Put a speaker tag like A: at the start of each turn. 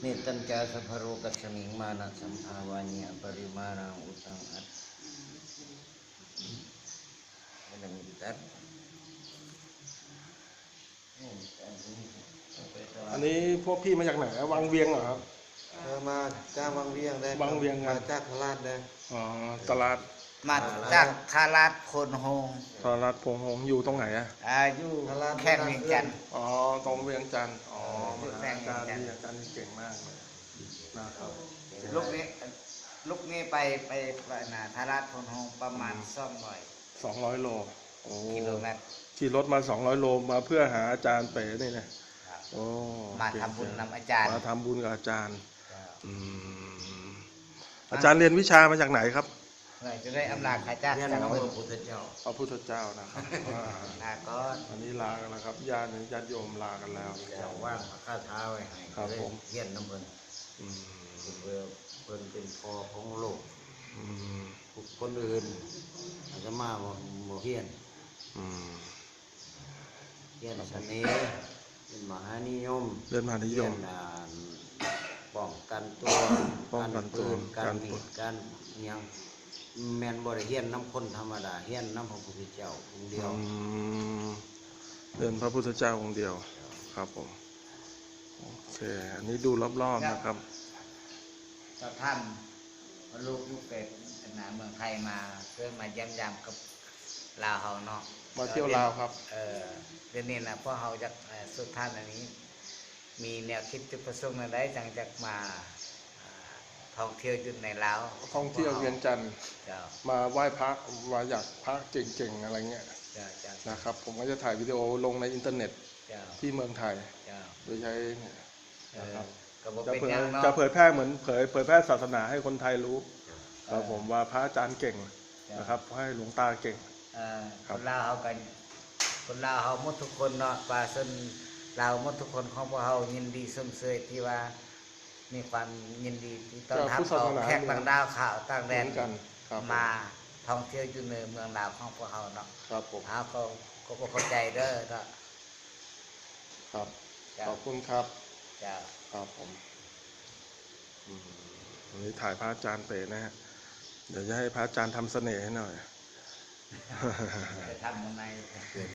A: นิตัญจาสัพพโรกัสมิงมานะสัมภาวานิปริมาณังอุตังอัตอะไรมีตัด
B: อันนี้พวกพี่มาจากไหนวังเวียงเหรอครับ
A: มาจากวังเวียงได้
B: วังเวียง
A: มาจากพลาดได้
B: อ๋อตลาด
C: มาจากทาราชโคนโฮง
B: ตลาดพงหงอยู่ตรงไหนอะ
C: อยู่แข้งเวียงจันทร์
B: อ๋อตรงเวียงจันทร์อ๋อ
C: อยู่
B: อา
C: แข้ง
B: จารย์
C: เวียงจันทร์
B: นี่อาจารย์นี่เก่งมากเลยนะครับ
C: ลูกนี้ไปนาทาราชโคนโฮงประมาณ
B: 200 โลโอ้
C: 200 กิโลเมตร
B: ขี่รถมา200 โลมาเพื่อหาอาจารย์เป๋นี่นะโอ้
C: มา
B: เก่ง
C: ทำบุญนำอาจารย์
B: มาทำบุญกับอาจารย์อืมอาจารย์เรียนวิชามาจากไหนครับ
C: เพื่อจะได้อำนาจข้าจ้า
A: เรียน
C: จาก
A: ของ
C: เมื
A: พ
C: อง
A: ระพุทธเจ้า
B: พระพุทธเจ้านะครับอ่า
C: นาก้อน
B: อันนี้ลากันแล้วครับญาติโยมลากันแล้ว
A: เจ้าว่างพระคาถาไว้ให้
B: ครับ
A: ได้
B: ผม
A: เฮียนน้ำเพิ่น
B: อืม
A: เพื่อเพิ่นเป็นพอของโลก
B: อืม
A: คนอื่นอาจจะมาบ่เฮียน
B: อืม
A: เฮียนชนีเป็นมหานิยม
B: เรียนมหานิยม
A: เฮีนป้องกันตัว
B: ป้องกันตัว
A: การมีดการอิหยังแม่นบ่ได้เฮียนน้ำคนธรรมดาเฮียนน้ำพระพุทธเจ้าองค์เดียว
B: อืมเรียนพระพุทธเจ้าองค์เดียวครับผมโอเคอันนี้ดูรอบๆนะครับ
C: ก็ท่านลูกเกิดนาเมืองไทยมาเพื่อมาเยี่ยมยามกับลาวเฮาเนาะ
B: มาเที่ยวลาวครับ
C: เดี๋ยวนี้นะพวกเฮาจากสุดท่านอันนี้ มีแนวคิดจุดประสงค์อะไรจังจากมาท่องเที่ยวอยู่ในลาว
B: ท่องเที่ยวเวียงจันทร์
C: เจ้า
B: มาไหว้พระมาอยากพระเก่งๆอะไรเงี้ย
C: เจ้าเจ้า
B: นะครับ ผมก็จะถ่ายวิดีโอลงในอินเทอร์เน็ต
C: เจ้า
B: ที่เมืองไทย
C: เจ้า
B: โดยใช้เนี่ยนะครับ
C: ก็บอก
B: จะ
C: เป็น
B: เผย
C: อย่างเนาะ
B: จะเผยแพร่เหมือนเผยแพร่ศาสนาให้คนไทยรู้ครับผมว่าพระอาจารย์เก่งนะครับให้หลวงตาเก่ง
C: คนลาวเฮากันคนลาวเฮาหมดทุกคนเนาะว่าส่วนลาวหมดทุกคนของพวกเฮายินดีสมเสยที่ว่ามีความยินดีที่ต้อนรับเอาแขกต่างดาวข่าวต่างแด
B: เหมื
C: น
B: อนกันครับ
C: มาท่องเที่ยวอยู่ในเมืองลาวของพวกเฮาเนาะ
B: ครับผม
C: เฮาก็บ่เข้าใจเด้อก็
B: ครับ
C: เจ้า
B: ขอบคุณครับ
C: เจ้า
B: ครับผมวันนี้ถ่ายพระอาจารย์เป๋นะฮะเดี๋ยวจะให้พระอาจารย์ทำเสน่ห์ให้หน่อย
C: จะทำยังไง